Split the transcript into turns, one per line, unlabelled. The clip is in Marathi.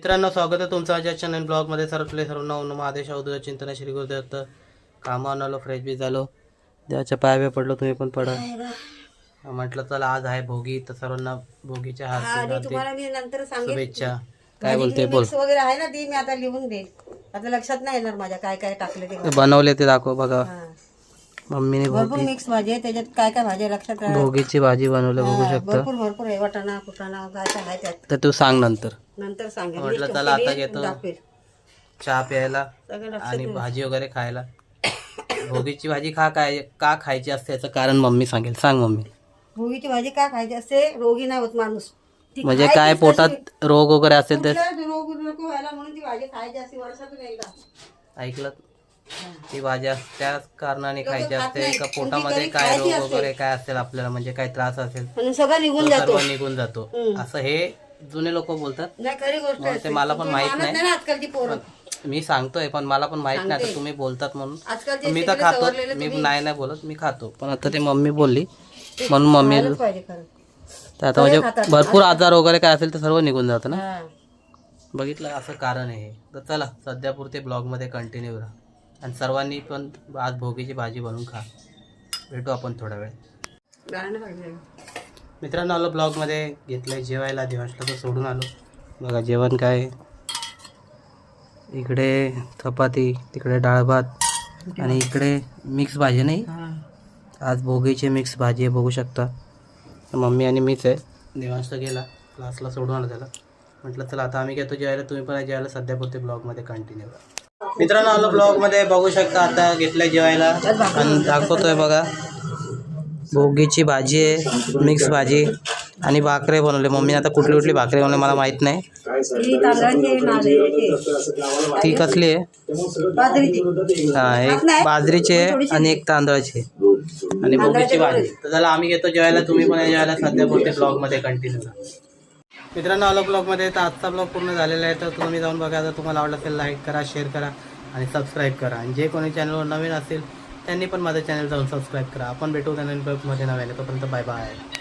मित्रांनो, स्वागत आहे तुमचं माझ्या चॅनल ब्लॉगमध्ये. सर्वांना ओम नमः आदेश अवधूत चिंतन श्री गुरुदेव. कामावर आलो, फ्रेश बी झालो, देवाच्या पायावे पडलो, तुम्ही पण पडा. म्हटलं चला आज आहे भोगी, तर सर्वांना भोगीच्या हार्दिक शुभेच्छा. काय बोलते बोल.
वगैरे आहे ना ती मी आता लिहून देईल. आता लक्षात नाही येणार माझ्या काय काय टाकले ते
बनवले ते दाखव बघा. मम्मीने
भरपूर मिक्स भाजी आहे त्याच्यात. काय काय भाजी लक्षात राहणार.
भोगीची भाजी बनवली बघू शकता.
भरपूर भरपूर आहे. वाटाणा कुटाणा काय काय आहे त्यात.
तर तू सांग नंतर.
नंतर सांगेल.
म्हटलं चला आता घेतो चहा प्यायला आणि भाजी वगैरे खायला. भोगीची भाजी का खायची असते याचं कारण मम्मी सांगेल. सांग मम्मी.
भोगीची भाजी का खायची असते? रोगी नाही होत माणूस. ती
म्हणजे
खायची
काय
तशी.
पोटात रोग वगैरे असेल तर
कुठला रोग नको व्हायला म्हणून ती भाजी खायची असते वर्षातून एकदा.
ऐकलं. ती भाजी त्याच कारणाने खायची
खात
असते
नाही.
का
पण ती
पोटामध्ये
कधी
काय
खायची
रोग
असते.
वगैरे काय असेल आपल्याला, म्हणजे काय त्रास असेल
म्हणून सगळं निघून
तो
जातो.
सर्व निघून जातो असं हे जुने लोक बोलतात.
नाही खरी गोष्ट
मग ते
असते.
मला पण
पण
माहित
मानत
नाही.
ना आजकालची पोरं.
मी सांगतोय पण मला पण माहित नाही.
सांगते.
आता तुम्ही बोलतात म्हणून
आजकालचे
मी तर
शिकले
खातो.
सवरलेले
मी
तुम्ही.
नाही बोलत, मी खातो. पण आता ते मम्मी बोलली म्हणून मम्मी
खायलाच पाहिजे खरं.
तर आता म्हणजे भरपूर आजार वगैरे काय असेल तर सर्व निघून जातं ना.
हा.
बघितलं असं कारण आहे हे. तर चला सध्यापुरते ब्लॉगमध्ये कंटिन्यू राहा आणि सर्वांनी पण आज भोगीची भाजी बनवून खा. भेटू आपण थोडा वेळ.
गाणं पाहिजे.
मित्रांनो, आलो ब्लॉगमध्ये. घेतलंय जेवायला, देवांशला तर सोडून आलो. बघा जेवण काय. इकडे चपाती, तिकडे डाळ भात आणि इकडे मिक्स भाजी. नाही आज भोगीची मिक्स भाजी आहे बघू शकता. मम्मी आणि मीच आहे. देवांश गेला क्लासला, सोडून आला त्याला. म्हटलं चला आता आम्ही घेतो जेवायला, तुम्ही पण जेवायला. सध्यापुरते ब्लॉगमध्ये कंटिन्यू करा. मित्रांनो, आलो ब्लॉगमध्ये बघू शकता. आता घेतलंय जेवायला आणि दाखवतोय बघा. भोगीची भाजी आहे, मिक्स भाजी आणि भाकरे बनवले मम्मीने. आता कुठली कुठली भाकरी बनवली मला माहित नाही. ती कसली आहे? हा, एक बाजरीची आहे आणि एक तांदळाची आहे आणि भोगीची भाजी. तर चला आम्ही घेतो जेवायला, तुम्ही पण जेवायला. सध्या पुरते ब्लॉगमध्ये कंटिन्यू करा. मित्रांनो, आलो ब्लॉगमध्ये. तर आजचा ब्लॉग पूर्ण झालेला आहे. तर तुम्ही जाऊन बघा. जर तुम्हाला आवडलं असेल लाईक करा, शेअर करा आणि सबस्क्राईब करा. आणि जे कोणी चॅनलवर नवीन असेल त्यांनी पण माझं चॅनल जाऊन सबस्क्राईब करा. आपण भेटू त्या नवीन ब्लॉगमध्ये नव्याने. तोपर्यंत बाय बाय.